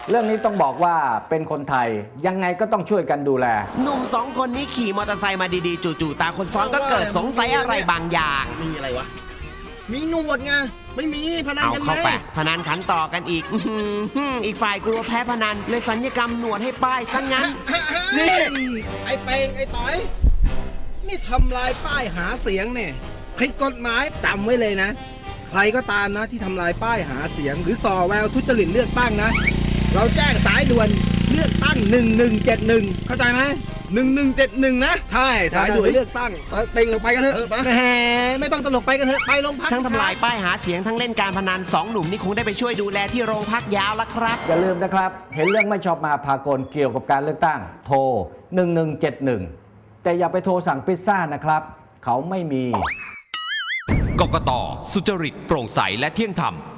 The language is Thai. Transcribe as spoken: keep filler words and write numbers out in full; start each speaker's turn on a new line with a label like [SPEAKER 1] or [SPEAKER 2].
[SPEAKER 1] เรื่องนี้ต้องบอกว่าเป็นคนไทยยังไงก็ต้องช่วยกันดูแล
[SPEAKER 2] หนุ่มสองคนนี้ขี่มอเตอร์ไซค์มาดีๆจู่ๆตาคนซ้อนก็เกิดสงสัยอะไรบางอย่าง
[SPEAKER 3] มีอะไรวะมีหนวดไงไม่มีพนัน
[SPEAKER 2] เอา
[SPEAKER 3] กันไหม
[SPEAKER 2] เข้าไปพนันขันต่อกันอีกอื้อหืออีกฝ่ายกลัวแพ้พนันเลยสัญญกรรมหนวดให้ป้ายซะงั้น
[SPEAKER 3] นี่ไอ้เปงไอ้ต๋อยนี่ทำลายป้ายหาเสียงเนี่ยผิดกฎหมายจำไว้เลยนะใครก็ตามนะที่ทำลายป้ายหาเสียงหรือส่อแววทุจริตเลือกตั้งนะเราแจ้งสายด่วนเลือกตั้งหนึ่งหนึ่งเจ็ดหนึ่งเข้าใจไหมหนึ่งหนึ่งเจ็ดหนึ่งนะใช่สายด่วนเลือกตั้งเต็งลงไปกันเถอะแหมไม่ต้องตลกไปกันเถอะไปโรงพัก
[SPEAKER 2] ทั้งทำลายป้ายหาเสียงทั้งเล่นการพนันสองหนุ่มนี่คงได้ไปช่วยดูแลที่โรงพักยาวละครับ
[SPEAKER 1] อย่าลืมนะครับเห็นเรื่องไม่ชอบมาพากลเกี่ยวกับการเลือกตั้งโทรหนึ่งหนึ่งเจ็ดหนึ่งแต่อย่าไปโทรสั่งพิซซ่านะครับเขาไม่มี
[SPEAKER 4] กกต.สุจริตโปร่งใสและเที่ยงธรรม